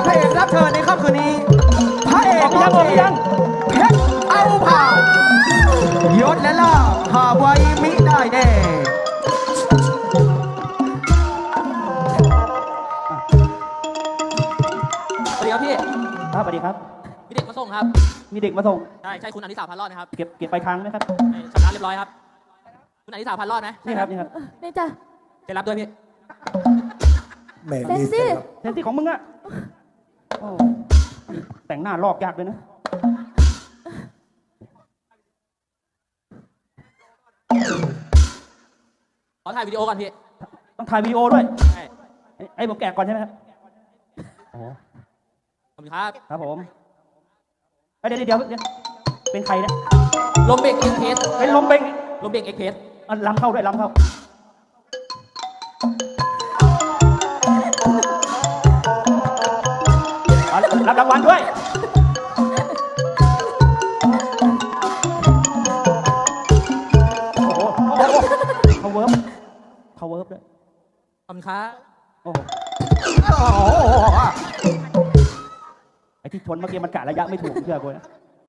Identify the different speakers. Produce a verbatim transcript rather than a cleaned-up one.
Speaker 1: ระเอกรับเชิญในค่ำคืนนี้พระเอก
Speaker 2: ออกยังออกยัง
Speaker 1: เพชรเอาผ่ายศและล่าหาไว้มิได้แน่
Speaker 3: สวัสดีครับพี่
Speaker 2: ครับสวัสดีครับ
Speaker 3: มีเด็กมาส่งครับ
Speaker 2: มีเด็กมาส่ง
Speaker 3: ใช่ใช่คุณอนิสาพันรอดไหมครับ
Speaker 2: เก็บเก็บไปลายทางไหมครับ
Speaker 3: ใช่ชำระเรียบร้อยครับ คุณอนิสาพันรอดไหม
Speaker 2: นี่ครับนี่ครับ
Speaker 4: นี่จ้ะ
Speaker 3: เซ็นรับด้วยพี่
Speaker 5: แหม่
Speaker 4: เซน
Speaker 5: มี
Speaker 4: ซี่
Speaker 5: เสร็จแล้ว
Speaker 2: เซนซี่ของมึงอะโอ้แต่งหน้าลอกยากเลยนะ
Speaker 3: ขอถ่ายวิดีโอก่อนพี่
Speaker 2: ต้องถ่ายวีดีโอด้วย
Speaker 3: ใช่
Speaker 2: ไอ้ไอ้ผมแกะก่อนใช่ไหมครับโอ้
Speaker 3: ขอบคุณครับ
Speaker 2: ครับผมเอ้ยเดี๋ยวเดี๋ยวเดี๋ยวเป็นใครเนี่ย
Speaker 3: ลมเบรกเอ็กเพส
Speaker 2: เป็นลมเบง
Speaker 3: ลมเบรกเอ็กเพส
Speaker 2: อ่ะลำเข้าด้วยลำเข้าอ่ะรับรางวัลด้วย โอ้โหเขาเวิร์บเขาเวิร์บด้วย
Speaker 3: ขอบคุณครับ
Speaker 2: โอ้โห
Speaker 1: โอ้โห
Speaker 2: ไอ้ที่ชนเมื่อกี้มันกะระยะไม่ถูกเชื่อกูนะ